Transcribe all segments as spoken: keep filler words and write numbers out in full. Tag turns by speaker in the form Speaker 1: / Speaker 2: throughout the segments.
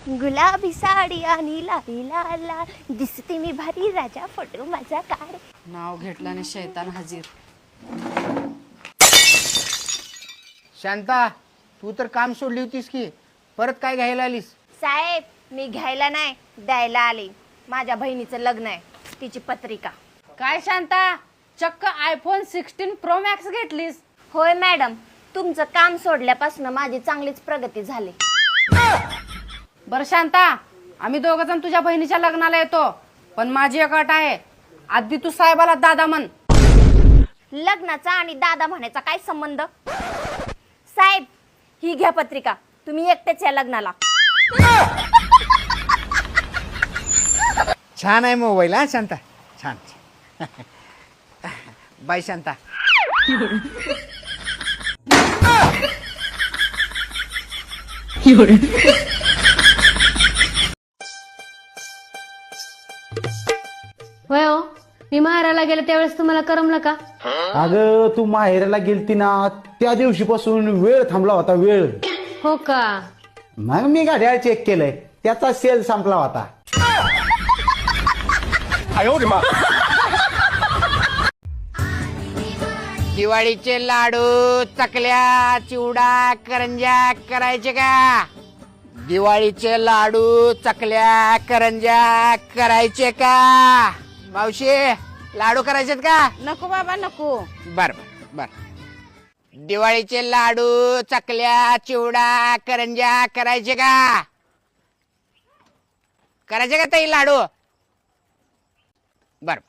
Speaker 1: गुलाबी साडी आणि लाली लाल लाल दिसते मी भारी राजा फोटो माझा काढ.
Speaker 2: नाव घेतलं आणि शैतान हजीर.
Speaker 3: शांता, तू तर काम सोडली होतीस की परत काय घ्यायला आलीस?
Speaker 1: साहेब, मी घ्यायला नाही द्यायला आले. माझ्या बहिणीचं लग्न आहे, तिची पत्रिका.
Speaker 2: काय शांता, चक्क आयफोन सिक्स्टीन प्रो मॅक्स घेतलीस?
Speaker 1: होय मॅडम, तुमचं काम सोडल्यापासून माझी चांगलीच प्रगती झाली.
Speaker 2: बरं शांता, आम्ही दोघ जण तुझ्या बहिणीच्या लग्नाला येतो, पण माझी एक अट आहे. आधी तू साहेबाला दादा म्हण.
Speaker 1: लग्नाचा आणि दादा म्हणायचा काय संबंध? साहेब, ही घ्या पत्रिका, तुम्ही एकटेच या लग्नाला.
Speaker 3: छान आहे मोबाईल हा शांता, छान. बाय शांता.
Speaker 4: होय हो, मी माहेराला गेले त्यावेळेस तुम्हाला करमलं का?
Speaker 5: अगं तू माहेराला गेलती ना त्या दिवशीपासून वेळ थांबला होता, वेळ.
Speaker 4: हो का?
Speaker 5: मग मी गाड्या चेक केलंय, त्याचा सेल संपला होता.
Speaker 3: दिवाळीचे लाडू, चकल्या, चिवडा, करंज्या करायचे का? दिवाळीचे लाडू, चकल्या, करंज्या करायचे का? मावशी, लाडू करायचेत का?
Speaker 2: नको बाबा नको.
Speaker 3: बर बर बर. दिवाळीचे लाडू, चकल्या, चिवडा, करंज्या करायचे का? करायचे का ताई लाडू? बर.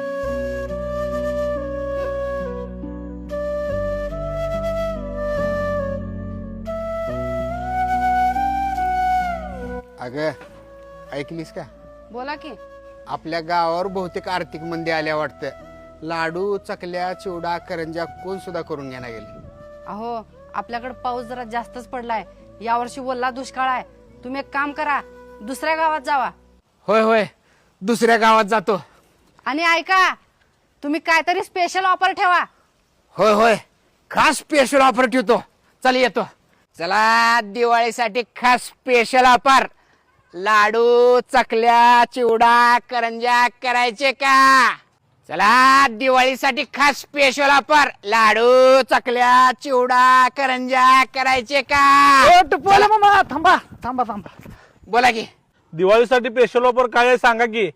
Speaker 3: अगं, ऐकलीस का?
Speaker 2: बोला की.
Speaker 3: आपल्या गावावर बहुतेक आर्थिक मंदी आल्या वाटतं. लाडू, चकल्या, चिवडा, करंज्या कोण सुद्धा करून घेणार गेले.
Speaker 2: अहो, आपल्याकडे पाऊस जरा जास्तच पडलाय. यावर्षी ओला दुष्काळ आहे. तुम्ही एक काम करा, दुसऱ्या गावात जावा.
Speaker 3: होय होय, दुसऱ्या गावात जातो.
Speaker 2: आणि ऐका, तुम्ही काहीतरी स्पेशल ऑफर ठेवा.
Speaker 3: होय होय, खास स्पेशल ऑफर ठेवतो. चल येतो. चला, दिवाळीसाठी खास स्पेशल ऑफर. लाडू, चकल्या, चिवडा, करंज्या करायचे का? चला, दिवाळीसाठी खास स्पेशल ऑफर. लाडू, चकल्या, चिवडा, करंज्या करायचे का?
Speaker 6: बोला मामा, थांबा थांबा थांबा.
Speaker 3: बोला की.
Speaker 6: दिवाळीसाठी स्पेशल ऑफर काय आहे सांगा की.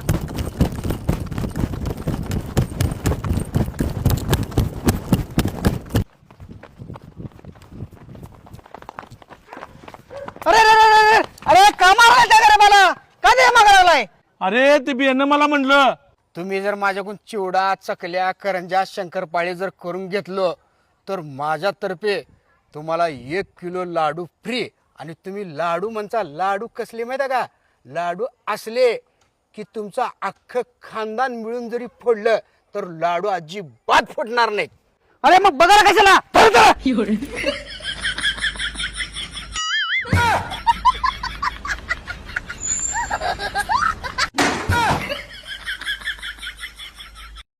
Speaker 3: अरे अरे अरे कामाला का मला का दे मागायलाय?
Speaker 6: अरे ते बियाणं मला म्हणलं.
Speaker 3: तुम्ही जर माझ्याकडून चिवडा, चकल्या, करंज्या, शंकरपाळे जर करून घेतलं तर माझ्यातर्फे तुम्हाला एक किलो लाडू फ्री. आणि तुम्ही लाडू म्हणता, लाडू कसले माहिती का? लाडू असले की तुमचा अख्खं खानदान मिळून जरी फोडलं तर लाडू अजिबात फुटणार नाहीत. अरे मग बघा कशाला.